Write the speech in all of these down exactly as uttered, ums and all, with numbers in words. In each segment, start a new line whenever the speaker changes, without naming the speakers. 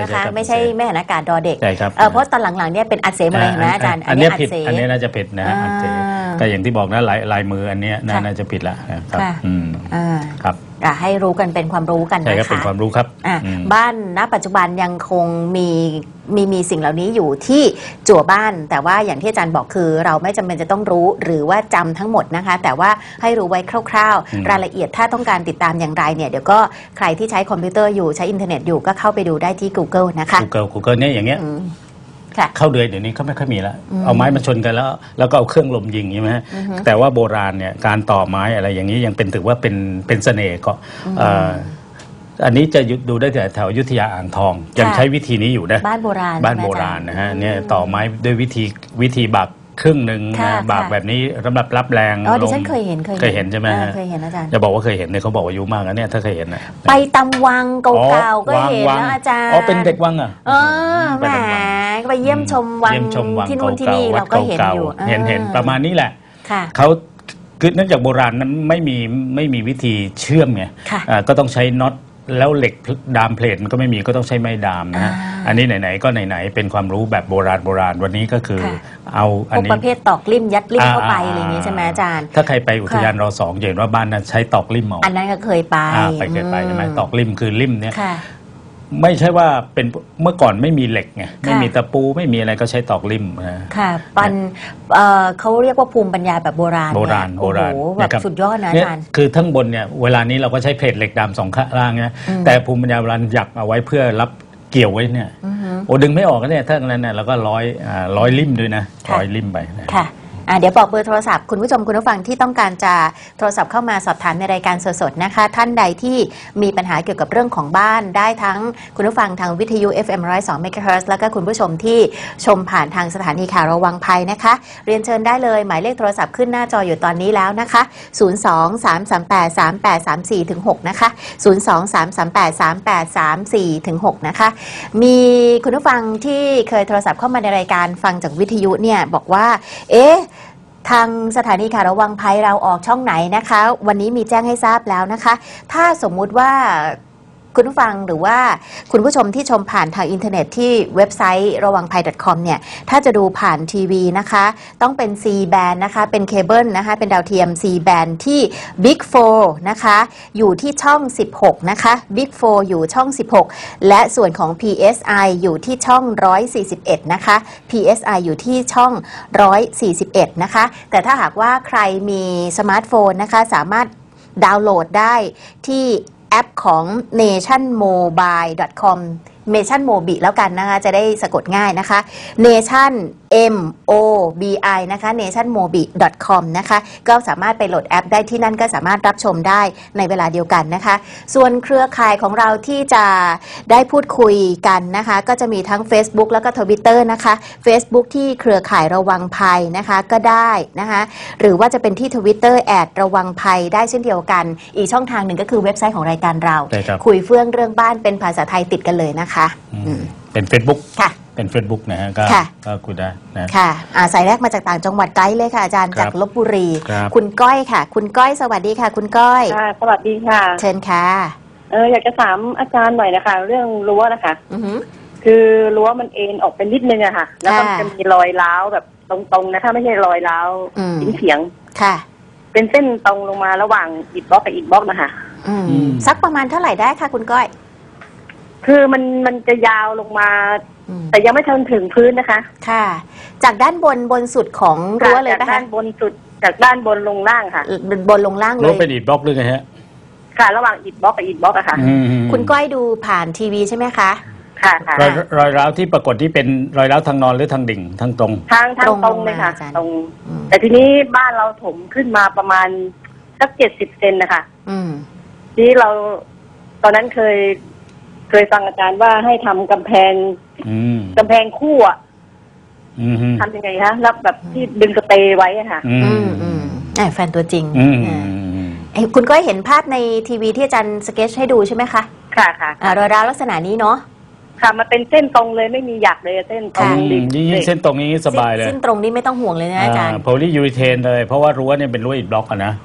นะคะไม่ใช่แม่หันอากาศดอเด็ก
ใช่ครับ
เพราะตอนหลังๆเนี่ยเป็นอัดเสมาเลยเห็นไหมอาจารย์
อันนี้ผิดอันนี้น่าจะผิดนะอัดเสก็อย่างที่บอกนะลายลายมืออันนี้น่าจะผิดละครับอืมครับ
ให้รู้กันเป็นความรู้กันนะคะ
ใช่ครับเป็นความรู้ครับ
บ้านณปัจจุบันยังคงมีมีมีสิ่งเหล่านี้อยู่ที่จั่วบ้านแต่ว่าอย่างที่อาจารย์บอกคือเราไม่จำเป็นจะต้องรู้หรือว่าจำทั้งหมดนะคะแต่ว่าให้รู้ไว้คร่าวๆรายละเอียดถ้าต้องการติดตามอย่างไรเนี่ยเดี๋ยวก็ใครที่ใช้คอมพิวเตอร์อยู่ใช้อินเทอร์เน็ตอยู่ก็เข้าไปดูได้ที่ Google นะคะ
Google Google เนี่ยอย่างเงี้ยเข้าเดือยเดี๋ยวนี้เขาไม่ค่อยมีแล้วเอาไม้มาชนกันแล้วแล้วก็เอาเครื่องลมยิงใช่ไหมแต่ว่าโบราณเนี่ยการต่อไม้อะไรอย่างนี้ยังเป็นถือว่าเป็นเป็นเสน่ห์ก็อันนี้จะดูได้แต่แถวอยุธยาอ่างทองยังใช้วิธีนี้อยู่นะ
บ้านโบราณ
บ้านโบราณนะฮะเนี่ยต่อไม้ด้วยวิธีวิธีบักครึ่งหนึ่งนะบากแบบนี้สำหรับรับแรง
อ๋อดิฉันเคยเห็น
เคยเห็นใช่ไหม
เคยเห็นอาจารย์
จะบอกว่าเคยเห็นเนี่ยเขาบอกว่าอายุมากนะเนี่ยถ้าเคยเห็นนะ
ไปตำวังเก่าๆก็เห็นนะอาจารย์
อ๋อเป็นเด็กวังอ่ะ
เออแหมไปเยี่ยมชมวังที่นู่นที่นี่เราก็เห็นอยู่
เห็นเห็นประมาณนี้แหละเขาคือเนื่องจากโบราณนั้นไม่มีไม่มีวิธีเชื่อมไงก็ต้องใช้น็อตแล้วเหล็กดามเพลทมันก็ไม่มีก็ต้องใช้ไม้ดามนะฮะอันนี้ไหนๆก็ไหนๆเป็นความรู้แบบโบราณโบราณวันนี้ก็คือเอาอันนี้
ประเภทตอกลิ่มยัดลิ่มเข้าไปอะไรอย่างนี้ใช่ไหมอาจารย์
ถ้าใครไปอุทยานรอสองเห็นว่าบ้านนั้นใช้ตอกลิ่มเอา
อันนั้นก็เคยไป
ไปเคยไปใช่ไหมตอกลิ่มคือลิ่มเนี่ยไม่ใช่ว่าเป็นเมื่อก่อนไม่มีเหล็กไงไม่มีตะปูไม่มีอะไรก็ใช้ตอกลิ่มนะ
ค่ะปันเขาเรียกว่าภูมิปัญญาแบบโบราณ
โบราณโบราณ
แบบสุดยอดนะอาจารย์
คือทั้งบนเนี่ยเวลานี้เราก็ใช้เพลทเหล็กดำสองข้างล่างนะแต่ภูมิปัญญาโบราณหยักเอาไว้เพื่อรับเกี่ยวไว้เนี่ยโอ้ดึงไม่ออกก็เนี่ยถ้านั้นเนี่ยเราก็ร้อยร้อยลิ่มด้วยนะร้อยลิ่มไป
ค่ะเดี๋ยวบอกเบอร์โทรศัพท์คุณผู้ชมคุณผู้ฟังที่ต้องการจะโทรศัพท์เข้ามาสอบถามในรายการสดๆนะคะท่านใดที่มีปัญหาเกี่ยวกับเรื่องของบ้านได้ทั้งคุณผู้ฟังทางวิทยุ เอฟ เอ็ม หนึ่งร้อยสอง เมกะเฮิรตซ์แล้วก็คุณผู้ชมที่ชมผ่านทางสถานีข่าวระวังภัยนะคะเรียนเชิญได้เลยหมายเลขโทรศัพท์ขึ้นหน้าจออยู่ตอนนี้แล้วนะคะศูนย์ สอง สาม สาม แปด สาม แปด สาม สี่ ถึง หกนะคะศูนย์ สอง สาม สาม แปด สาม แปด สาม สี่ ถึง หกนะคะมีคุณผู้ฟังที่เคยโทรศัพท์เข้ามาในรายการฟังจากวิทยุเนี่ยบอกว่าเอ๊ะทางสถานีข่าวระวังภัยเราออกช่องไหนนะคะวันนี้มีแจ้งให้ทราบแล้วนะคะถ้าสมมุติว่าคุณผู้ฟังหรือว่าคุณผู้ชมที่ชมผ่านทางอินเทอร์เน็ตที่เว็บไซต์ระวังภัย .com เนี่ยถ้าจะดูผ่านทีวีนะคะต้องเป็น C band นะคะเป็นเคเบิลนะคะเป็นดาวเทียม C band ที่ Big โฟร์ นะคะอยู่ที่ช่องสิบหกนะคะ Big โฟร์ อยู่ช่องสิบหกและส่วนของ พี เอส ไอ อยู่ที่ช่องหนึ่งร้อยสี่สิบเอ็ดนะคะ พี เอส ไอ อยู่ที่ช่องหนึ่งร้อยสี่สิบเอ็ดนะคะแต่ถ้าหากว่าใครมีสมาร์ทโฟนนะคะสามารถดาวน์โหลดได้ที่แอปของ เนชั่นโมบาย ดอท คอม เนชั่นโมบิแล้วกันนะคะจะได้สะกดง่ายนะคะ Nation M O B I นะคะ เนชั่นโมบิ ดอท คอม นะคะก็สามารถไปโหลดแอปได้ที่นั่นก็สามารถรับชมได้ในเวลาเดียวกันนะคะส่วนเครือข่ายของเราที่จะได้พูดคุยกันนะคะก็จะมีทั้ง Facebook แล้วก็ Twitter นะคะ Facebook ที่เครือข่ายระวังภัยนะคะก็ได้นะคะหรือว่าจะเป็นที่ Twitter แอดระวังภัยได้เช่นเดียวกันอีกช่องทางหนึ่งก็คือเว็บไซต์ของรายการเราคุยเฟื่องเรื่องบ้านเป็นภาษาไทยติดกันเลยนะคะ
เป็น Facebook
ค่ะ
เป็น Facebook นะฮะก็คุยได้นะ
ค่ะสายแรกมาจากต่างจังหวัดไกด์เลยค่ะอาจารย์จากลพบุรีคุณก้อยค่ะคุณก้อยสวัสดีค่ะคุณก้อย
ค่ะสวัสดีค่ะ
เชิญค่ะ
เอออยากจะถามอาจารย์หน่อยนะคะเรื่องรั้วนะคะคือรั้วมันเอ็นออกเป็นนิดนึงอะค่ะแล้วก็จะมีรอยร้าวแบบตรงๆนะถ้าไม่ใช่รอยร้าวเฉียง
ๆค่ะ
เป็นเส้นตรงลงมาระหว่างอิฐบล็อกกับอิฐบล็อกนะคะ
สักประมาณเท่าไหร่ได้ค่ะคุณก้อย
คือมันมันจะยาวลงมาแต่ยังไม่ทันถึงพื้นนะคะ
ค่ะจากด้านบนบนสุดของรั้วเลย
นะคะจากด้านบนสุดจากด้านบนลงล่างค่ะ
บนลงล่างเลย
รั้วเป็นอิฐบล็อกด้วยไงฮะ
ค่ะระหว่างอิฐบล็อกกับอิฐบล็อกอะค่ะ
คุณก้อยดูผ่านทีวีใช่ไหมคะ
ค่ะค่ะ
รอยรอยร้าวที่ปรากฏที่เป็นรอยร้าวทางนอนหรือทางดิ่งทางตรง
ทางทางตรงเลยค่ะตรงแต่ทีนี้บ้านเราถมขึ้นมาประมาณสักเจ็ดสิบเซนนะคะที่เราตอนนั้นเคยเคยฟังอาจารย์ว่าให้ทำกำแพงกำแพงคู่อ่ะทำยังไงคะรับแบบที่ดึงสเตย์ไว้อะค่ะ
แฟนตัวจริงคุณก็เห็นภาพในทีวีที่อาจารย์สเก็ตให้ดูใช่ไหมคะ
ค่ะค่ะ
รอยร้าวลักษณะนี้เนาะ
ค่ะมันเป็นเส้นตรงเลยไม่มีหยักเลยเส้นตรง
ยิ่งเส้นตรงนี้สบายเลย
เส้นตรงนี้ไม่ต้องห่วงเลยนะอาจารย์
โพลียูริเทนเลยเพราะว่ารั้วเนี่ยเป็นรั้วอิฐบล็อกอะนะ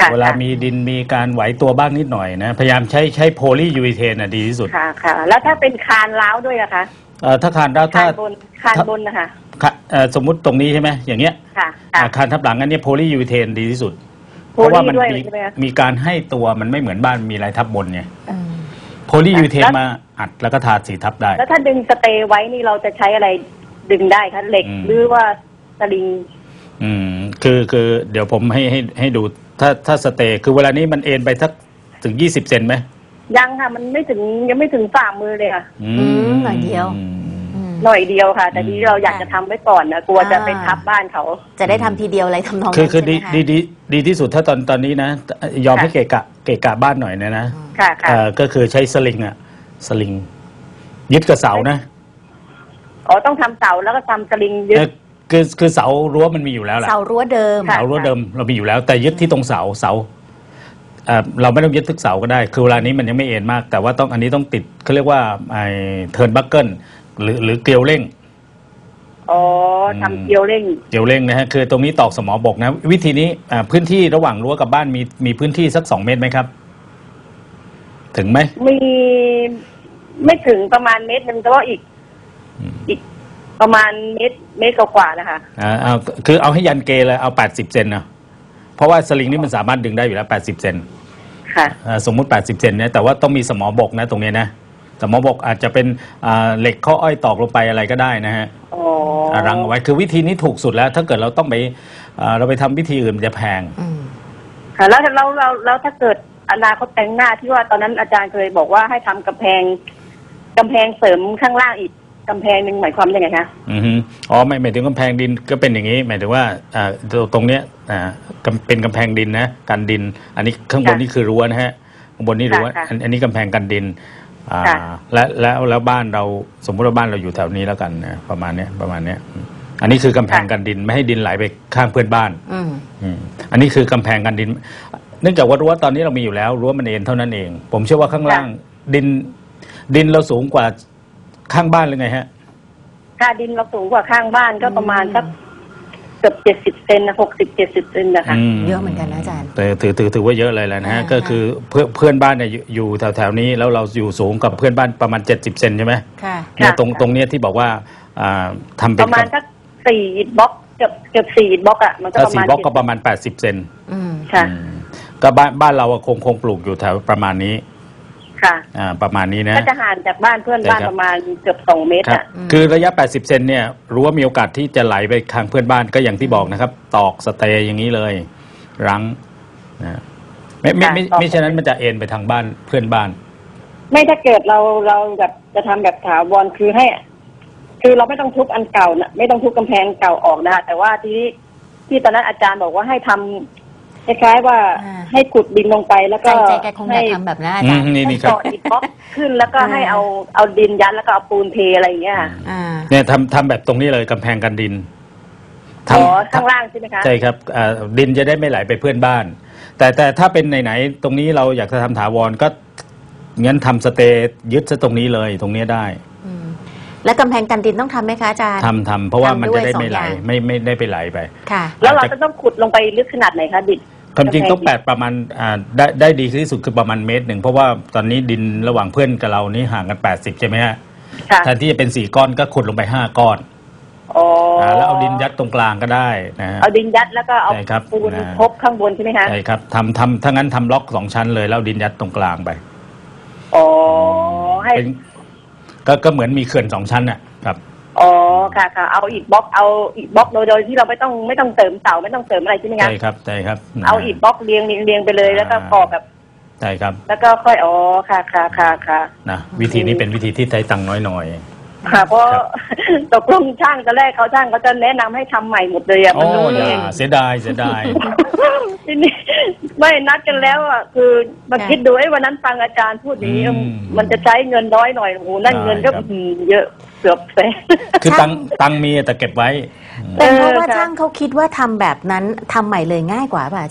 เวลามีดินมีการไหวตัวบ้างนิดหน่อยนะพยายามใช้ใช้โพลียูรีเทนอ่ะดีที่สุด
ค่ะค่ะแล้วถ้าเป็นคานร้าวด้วยอะคะ
เอ่อถ้าคานร้าวถ้า
คานบนคานบนนะคะ
สมมุติตรงนี้ใช่ไหมอย่างเงี้ย
ค่ะ
คานทับหลังอันนี้โพลียูรีเทนดีที่สุดเพราะว่ามันมีมีการให้ตัวมันไม่เหมือนบ้านมีลายทับบนไงโพลียูรีเทนมาอัดแล้วก็ทาสีทับได้
แล้วถ้าดึงสเตย์ไว้นี่เราจะใช้อะไรดึงได้คะเหล็กหรือว่าสลิง
อืมคือคือเดี๋ยวผมให้ให้ให้ดูถ้าถ้าสเตย์คือเวลานี้มันเอ็นไปสักถึงยี่สิบเซนไหม
ยังค่ะมันไม่ถึงยังไม่ถึงฝ่ามือเลยค่ะ
อืมหน่อยเดียว
หน่อยเดียวค่ะแต่ที่เราอยากจะทำไว้ก่อนนะกลัวจะไปทับบ้านเขา
จะได้ทำทีเดียวอะไรทำนอง
นั้นคือคือดีดีดีดีที่สุดถ้าตอนตอนนี้นะยอมให้เกะกะเกะกะบ้านหน่อยนะนะ
ค่ะค่ะ
ก็คือใช้สลิงอะสลิงยึดกับเสานะ
อ๋อต้องทำเสาแล้วก็ทำสลิงยึด
คือคือเสารั้วมันมีอยู่แล้วแหละ
เสารั้วเดิม
เสารั้วเดิมเรามีอยู่แล้วแต่ยึดที่ตรงเสาเสาเราไม่ต้องยึดทุกเสาก็ได้คือเวลานี้มันยังไม่เอ็นมากแต่ว่าต้องอันนี้ต้องติดเขาเรียกว่าไอ้เทิร์นบัคเกิลหรือหรือเกลียวเร่ง
อ๋อทำเกลียวเร่ง
เกลียวเร่งนะฮะคือตรงนี้ตอกสมอบกนะวิธีนี้พื้นที่ระหว่างรั้วกับบ้านมีมีพื้นที่สักสองเมตรไหมครับถึงไหม
มีไม่ถึงประมาณเมตรนึงแต่ว่าอีกอีกประมาณเมตรเมตรกว่าๆนะคะ
อ่าเอาคือเอาให้ยันเกเลยเอาแปดสิบเซนนะเพราะว่าสลิงนี่มันสามารถดึงได้อยู่แล้วแปดสิบเซน
ค่ะ
สมมุติแปดสิบเซนเนี่ยแต่ว่าต้องมีสมอบกนะตรงนี้นะสมอบกอาจจะเป็นเหล็กข้ออ้อยตอกลงไปอะไรก็ได้นะฮะรังเอาไว้คือวิธีนี้ถูกสุดแล้วถ้าเกิดเราต้องไปเราไปทำวิธีอื่นมันจะแพง
ค่ะแล้วเราเราแล้วถ้าเกิดอนาคตแต่งหน้าที่ว่าตอนนั้นอาจารย์เคยบอกว่าให้ทำกำแพงกำแพงเสริมข้างล่างอีกกำแพงหนึ่งหมายความยังไงคะ
อืออ๋อไม่หมายถึงกำแพงดินก็เป็นอย่างนี้หมายถึงว่าอ่าตรงเนี้ยอ่าเป็นกำแพงดินนะกันดินอันนี้ข้างบนนี่คือรั้วนะฮะข้างบนนี่รั้วอันนี้กำแพงกันดินอ่าและแล้วแล้วบ้านเราสมมติว่าบ้านเราอยู่แถวนี้แล้วกันนะประมาณเนี้ยประมาณเนี้ยอันนี้คือกำแพงกันดินไม่ให้ดินไหลไปข้างเพื่อนบ้านอืมอันนี้คือกำแพงกันดินเนื่องจากว่ารั้วตอนนี้เรามีอยู่แล้วรั้วมันเอ็นเท่านั้นเองผมเชื่อว่าข้างล่างดินดินเราสูงกว่าข้างบ้านหรือไงฮะ
ค่าดินเราสูงกว่าข้างบ้านก็ประมาณสักเกือบเจ็ดสิบเซนนะหกสิบเจ็ดสิบเซนนะคะ
เยอะเหมือนกันนะอาจารย์
แต่ถือถือถือว่าเยอะเลยแหละนะฮะก็คือเพื่อนเพื่อนบ้านเนี่ยอยู่แถวแถวนี้แล้วเราอยู่สูงกับเพื่อนบ้านประมาณเจ็ดสิบเซนใช่ไหม
ค่ะ
เนี่ยตรงตรงเนี้ยที่บอกว่าทำเป็น
ประมาณสักสี่บล็อกเกือบเกือบสี่บล็อกอ่ะมันก็ประมาณ
สี่บล็อกก็ประมาณแปดสิบเซน
ค่ะ
ก็บ้านบ้านเราคงคงปลูกอยู่แถวประมาณนี้
ค่ะ
อ่าประมาณนี้นะ
ก็จะห่างจากบ้านเพื่อนบ้านประมาณเกือบสองเมตรอ่ะ
คือระยะแปดสิบเซนเนี่ยรู้ว่ามีโอกาสที่จะไหลไปทางเพื่อนบ้านก็อย่างที่บอกนะครับตอกสเตย์อย่างนี้เลยรั้งนะไม่ไม่ไม่ไม่ฉะนั้นมันจะเอ็นไปทางบ้านเพื่อนบ้าน
ไม่ถ้าเกิดเราเราแบบจะทำแบบถาวรคือให้คือเราไม่ต้องทุบอันเก่านะไม่ต้องทุบกำแพงเก่าออกนะแต่ว่าที่ที่ตอนนั้นอาจารย์บอกว่าให้ทำคล้ายๆว่าให้ขุดดินลงไปแล้วก็
ใจแกคงจะทำแบบนั้นอาจารย์
ให้
ต่ออีกบล็อกขึ้นแล้วก็ให้เอาเอาดินยัดแล้วก็เอาปูนเทอะไรอย่างเงี้ย
เนี่ยทำทำแบบตรงนี้เลยกำแพงกันดิน
อ๋อข้างล่างใช่ไหมคะ
ใช่ครับดินจะได้ไม่ไหลไปเพื่อนบ้านแต่แต่ถ้าเป็นไหนๆตรงนี้เราอยากจะทำถาวรก็งั้นทำสเตย์ยึดซะตรงนี้เลยตรงนี้ได้
แล้วกำแพงกันดินต้องทำไหมคะอาจารย์
ทำทำเพราะว่ามันจะได้ไม่ไหลไม่ไม่ได้ไปไหลไป
ค่ะ
แล้วเราจะต้องขุดลงไปลึกขนาดไหนคะดิน
ความจริงต้องแปดประมาณอ่าได้ได้ดีที่สุดคือประมาณเมตรหนึ่งเพราะว่าตอนนี้ดินระหว่างเพื่อนกับเรานี่ห่างกันแปดสิบใช่ไหมฮะแทนที่จะเป็นสี่ก้อนก็ขุดลงไปห้าก้อน
อ๋อ
แล้วเอาดินยัดตรงกลางก็ได้นะ
เอาดินยัดแล้วก็เอาปูนทบข้างบนใช่ไหมคะ
ใช่ครับทำทำถ้างั้นทำล็อกสองชั้นเลยแล้วดินยัดตรงกลางไป
อ๋อให้
ก็ก็เหมือนมีเขื่อนสองชั้นน่ะครับ
อ๋อค่ะค่ะเอาอีกบล็อกเอาอีกบล็อกโดยโดยที่เราไม่ต้องไม่ต้องเติมเสาไม่ต้องเติมอะไรใช่ไหมคะ
ใช่ครับใช่ครับ
เอาอีกบล็อกเรียงเรียงเรียงไปเลยแล้วก็ก่อแบบ
ใช่ครับ
แล้วก็ค่อยอ๋อค่ะค่ะค่ะค่ะ
นะวิธีนี้เป็นวิธีที่ใช้ตังค์น้อย
ๆค่ะเพราะตกลงช่างตอนแรกเขาช่างเขาจะแนะนำให้ทำใหม่หมดเลยอ่ะ
มันรู้เองเสียดายเสียดาย
ทีนี้ไม่นัดกันแล้วอ่ะคือมาคิดดูไอ้วันนั้นฟังอาจารย์พูดอย่างนี้มันจะใช้เงินน้อยหน่อยโอ้โหนั่นเงินก็เยอะเกือบแสน
คือตังตังมีแต่เก็บไว้
เป็นเพราะว่าช่างเขาคิดว่าทำแบบนั้นทำใหม่เลยง่ายกว่าป่ะอาจารย์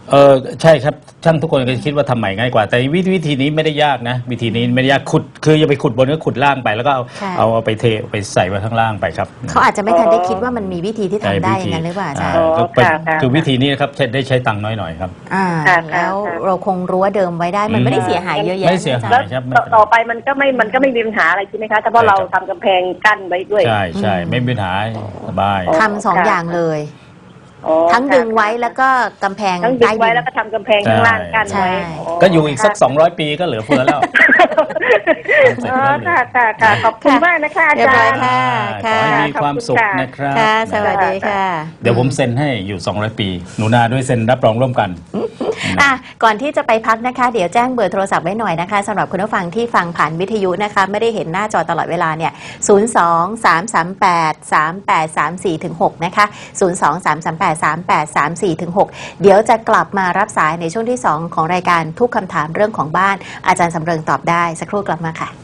เออใช่ครับช่างทุกคนก็คิดว่าทำใหม่ง่ายกว่าแต่วิธีวิธีนี้ไม่ได้ยากนะวิธีนี้ไม่ได้ยากขุดคืออย่าไปขุดบนก็ขุดล่างไปแล้วก็เอาเอาเอาไปเทไปใส่ไว้ข้างล่างไปครับ
เขาอาจจะไม่ทันได้คิดว่ามันมีวิธีที่ทำได้อย่างนั้นหรือเปล่าอาจารย์
คือวิธีนี้นะครับได้ใช้ตังค์น้อยหน่อยครับ
อ่าแล้วเราคงรั้วเดิมไว้ได้มันไม่ได้เสียหายเยอะแยะ
ไม่เสียหายครับ
ต่อไปมันก็ไม่มันก็ไม่มีปัญหาอะไรใช่ไหมคะถ้าเพราะเราทำกำแพงกั้นไว้ด้วย
ใช่ใช่ไม่มีปัญหาสบาย
ทำสองอย่างเลยทั้งดึงไว้แล้วก็กำแพง
ทั้งดึงไว้แล้วก็ทำกำแพงข้างล่างกันไว้
ก็อยู่อีกสักสองร้อยปีก็เหลือเฟือแล้ว
ค่ะค่ะค่ะขอบคุณมากนะคะอาจารย์
ค่ะขอให้มีความสุขนะครับ
สวัสดีค่ะ
เดี๋ยวผมเซ็นให้อยู่สองร้อยปีหนูนาด้วยเซ็นรับรองร่วมกัน
อ่ะก่อนที่จะไปพักนะคะเดี๋ยวแจ้งเบอร์โทรศัพท์ไว้หน่อยนะคะสำหรับคุณผู้ฟังที่ฟังผ่านวิทยุนะคะไม่ได้เห็นหน้าจอตลอดเวลาเนี่ยศูนย์ สอง สาม สาม แปด สาม แปด สาม สี่ ถึง หกนะคะศูนย์ สอง สาม สาม แปด สาม แปด สาม สี่ ถึง หกเดี๋ยวจะกลับมารับสายในช่วงที่สองของรายการทุกคำถามเรื่องของบ้านอาจารย์สำเริงตอบได้สักครู่กลับมาค่ะ